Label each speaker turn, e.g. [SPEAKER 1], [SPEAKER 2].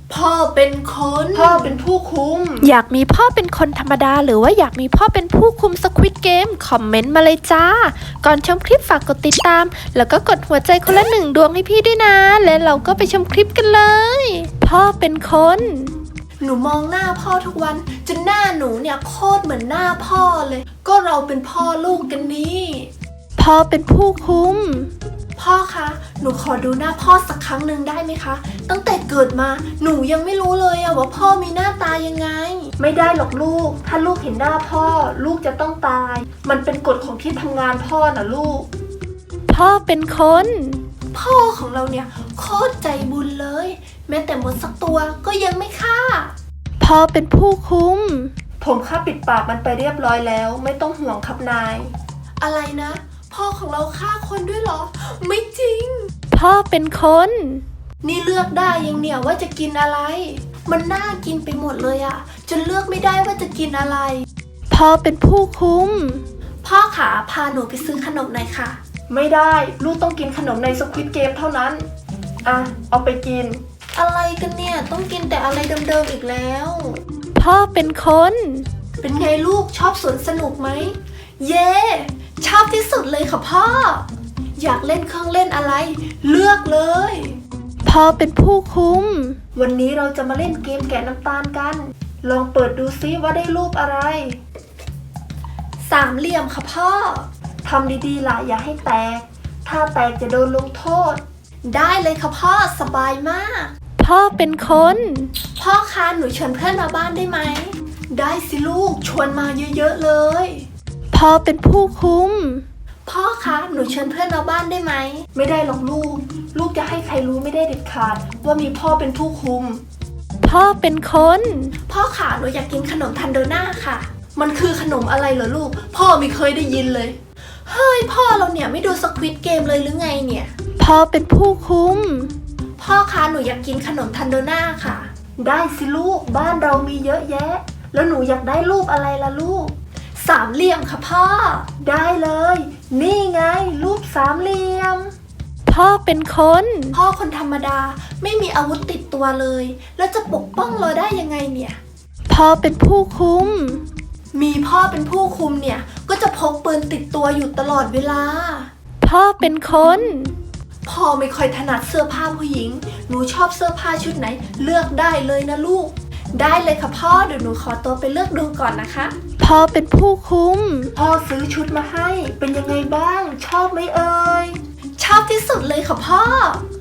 [SPEAKER 1] พ่อเป็นคนพ่อเป็นผู้คุม
[SPEAKER 2] อยากมีพ่อเป็นคนธรรมดาหรือว่าอยากมีพ่อเป็นผู้คุม Squid Game คอมเมนต์มาเลยจ้าก่อนชมคลิปฝากกดติดตามแล้วก็กดหัวใจคนละ1 ดวงให้พี่ด้วยนะและเราก็ไปชมคลิปกันเลยพ่อเป็นคน
[SPEAKER 1] หนูมองหน้าพ่อทุกวันจนหน้าหนูเนี่ยโคตรเหมือนหน้าพ่อเลยก็เราเป็นพ่อลูกกันนี่
[SPEAKER 2] พ่อเป็นผู้คุม
[SPEAKER 1] พ่อคะหนูขอดูหน้าพ่อสักครั้งหนึ่งได้ไหมคะตั้งแต่เกิดมาหนูยังไม่รู้เลยว่าพ่อมีหน้าตายังไงไม่ได้หรอกลูกถ้าลูกเห็นหน้าพ่อลูกจะต้องตายมันเป็นกฎของที่ทำงานพ่อนะลูก
[SPEAKER 2] พ่อเป็นคน
[SPEAKER 1] พ่อของเราเนี่ยโคตรใจบุญเลยแม้แต่มดสักตัวก็ยังไม่ฆ่า
[SPEAKER 2] พ่อเป็นผู้คุม
[SPEAKER 1] ผมฆ่าปิดปากมันไปเรียบร้อยแล้วไม่ต้องห่วงครับนายอะไรนะพ่อของเราฆ่าคนด้วยเหรอไม่จริง
[SPEAKER 2] พ่อเป็นคน
[SPEAKER 1] นี่เลือกได้ยังเนี่ยว่าจะกินอะไรมันน่ากินไปหมดเลยอะจนเลือกไม่ได้ว่าจะกินอะไร
[SPEAKER 2] พ่อเป็นผู้คุม
[SPEAKER 1] พ่อขาพาหนูไปซื้อขนมหน่อยค่ะไม่ได้ลูกต้องกินขนมในสควิดเกมเท่านั้นอ่ะเอาไปกินอะไรกันเนี่ยต้องกินแต่อะไรเดิมๆอีกแล้ว
[SPEAKER 2] พ่อเป็นคน
[SPEAKER 1] เป็นไงลูกชอบสวนสนุกไหมเย้ชอบที่สุดเลยค่ะพ่ออยากเล่นเครื่องเล่นอะไรเลือกเลย
[SPEAKER 2] พ่อเป็นผู้คุม
[SPEAKER 1] วันนี้เราจะมาเล่นเกมแกะน้ำตาลกันลองเปิดดูซิว่าได้รูปอะไร3 เหลี่ยมค่ะพ่อทำดีๆล่ะอย่าให้แตกถ้าแตกจะโดนลงโทษได้เลยค่ะพ่อสบายมาก
[SPEAKER 2] พ่อเป็นคน
[SPEAKER 1] พ่อคะหนูชวนเพื่อนมาบ้านได้ไหมได้สิลูกชวนมาเยอะๆเลย
[SPEAKER 2] พ่อเป็นผู้คุม
[SPEAKER 1] พ่อคะหนูเชิญเพื่อนมาบ้านได้ไหมไม่ได้หรอกลูกจะให้ใครรู้ไม่ได้เด็ดขาดว่ามีพ่อเป็นผู้คุม
[SPEAKER 2] พ่อเป็นคน
[SPEAKER 1] พ่อขาหนูอยากกินขนมทันโดน่าค่ะมันคือขนมอะไรเหรอลูกพ่อไม่เคยได้ยินเลยเฮ้ยพ่อเราเนี่ยไม่ดูสควิดเกมเลยหรือไงเนี่ย
[SPEAKER 2] พ่อเป็นผู้คุม
[SPEAKER 1] พ่อคะหนูอยากกินขนมทันโดน่าค่ะได้สิลูกบ้านเรามีเยอะแยะแล้วหนูอยากได้รูปอะไรล่ะลูก3 เหลี่ยมค่ะพ่อได้เลยนี่ไงรูป3 เหลี่ยม
[SPEAKER 2] พ่อเป็นคน
[SPEAKER 1] พ่อคนธรรมดาไม่มีอาวุธติดตัวเลยแล้วจะปกป้องเราได้ยังไงเนี่ย
[SPEAKER 2] พ่อเป็นผู้คุม
[SPEAKER 1] มีพ่อเป็นผู้คุมเนี่ยก็จะพกปืนติดตัวอยู่ตลอดเวลา
[SPEAKER 2] พ่อเป็นคน
[SPEAKER 1] พ่อไม่ค่อยถนัดเสื้อผ้าผู้หญิงหนูชอบเสื้อผ้าชุดไหนเลือกได้เลยนะลูกได้เลยค่ะพ่อเดี๋ยวหนูขอตัวไปเลือกดูก่อนนะคะ
[SPEAKER 2] พ่อเป็นผู้คุม
[SPEAKER 1] พ่อซื้อชุดมาให้เป็นยังไงบ้างชอบไหมเอ่ยชอบที่สุดเลยค่ะพ่อ